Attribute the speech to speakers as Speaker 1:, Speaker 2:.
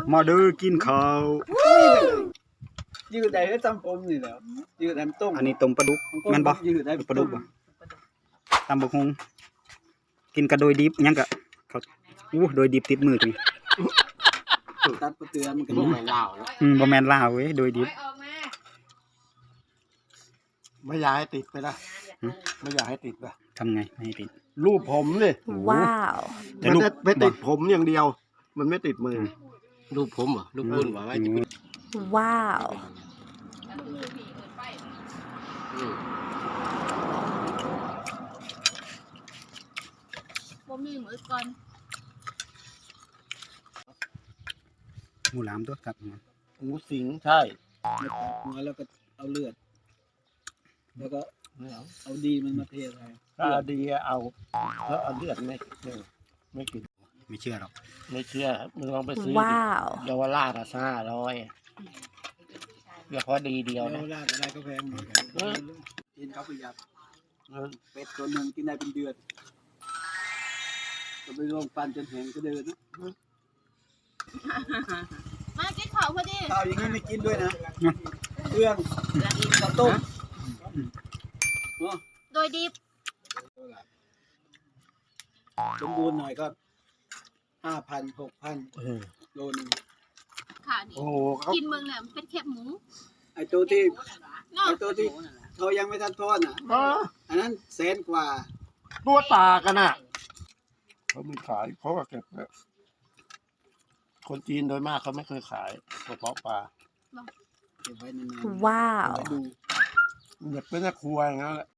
Speaker 1: มาเด้อกินข้าว
Speaker 2: ยืดได้ให้ตำผมนี่แหละยืดได้ต้ม
Speaker 1: อันนี้ต้มปลาดุกแม่นบ่
Speaker 2: ยืดได้
Speaker 1: ปลาดุกบ่ตำบักฮุงกินกระโดยดิบยังกะเขาโดยดิบติดมือจัง
Speaker 2: ตัดประเตือนมันก็ไม่ลาวแล้ว
Speaker 1: บ่แม่นลาวเว้ยโดยดิบ
Speaker 3: ไม่อยากให้ติดไปนะไม่อยากให้ติดไป
Speaker 1: ทำไงไม่ให้ติด
Speaker 3: รูปผมเลย
Speaker 4: ว้าว
Speaker 1: แต่
Speaker 3: มัน
Speaker 1: รูป
Speaker 3: จะไปติดผมอย่างเดียว มันไม่ติดมือ
Speaker 5: รูปผมเหรอรูปคุณว่าไว้จะ
Speaker 4: ว้าว
Speaker 6: บ่มีมือก่อน
Speaker 1: หมูหลามตัวครับ
Speaker 3: หมูสิงใช่
Speaker 2: หัวแล้วก็เอาเลือดแล้วก็เอาดีมันมาเทใส่
Speaker 3: ถ้าดีเอาแล้วเอาเลือดไม่กิน
Speaker 1: ไม่เชื่อหรอก
Speaker 3: ไม่เชื่อมึงลองไปซื้อ
Speaker 4: ว้าว
Speaker 3: เยาวราช500เดี๋ยวพอดีเดียว
Speaker 2: แล้ว
Speaker 3: นะ
Speaker 2: ราดอะไรก็แพงกินเขาประหยัดเป็ดตัวหนึ่งกินได้เป็นเดือนก็ไปลงปันจนแห้งก็เดินนะ
Speaker 6: มากินข้าวพอดี
Speaker 2: ข้าวอย่างนี้ไม่กินด้วยนะเครื่องข้าวต้ม
Speaker 6: โดยดิบ
Speaker 2: สมบูรณ์หน่อยก็5,000 6,000โลนึง
Speaker 6: ค่ะนี่
Speaker 3: โอ้โหเขา
Speaker 6: กินเมืองเนี่ยมันเป็นแคบหมู
Speaker 2: ไอ้ตัวที่
Speaker 6: เนาะ
Speaker 2: ไอ้ตัวที่เขายังไม่ทันทอดอ่ะ อันนั้น100,000 กว่า
Speaker 3: ตัวตากันน่ะเขามีขายเขาก็เก็บเนี่ยคนจีนโดยมากเขาไม่เคยขายกระเพาะปลา
Speaker 2: เก็บไว้นานๆ
Speaker 4: ว้าว
Speaker 2: เอาไว้ดู
Speaker 3: เหมือนเป็นครัวอย่างนั้นแหละ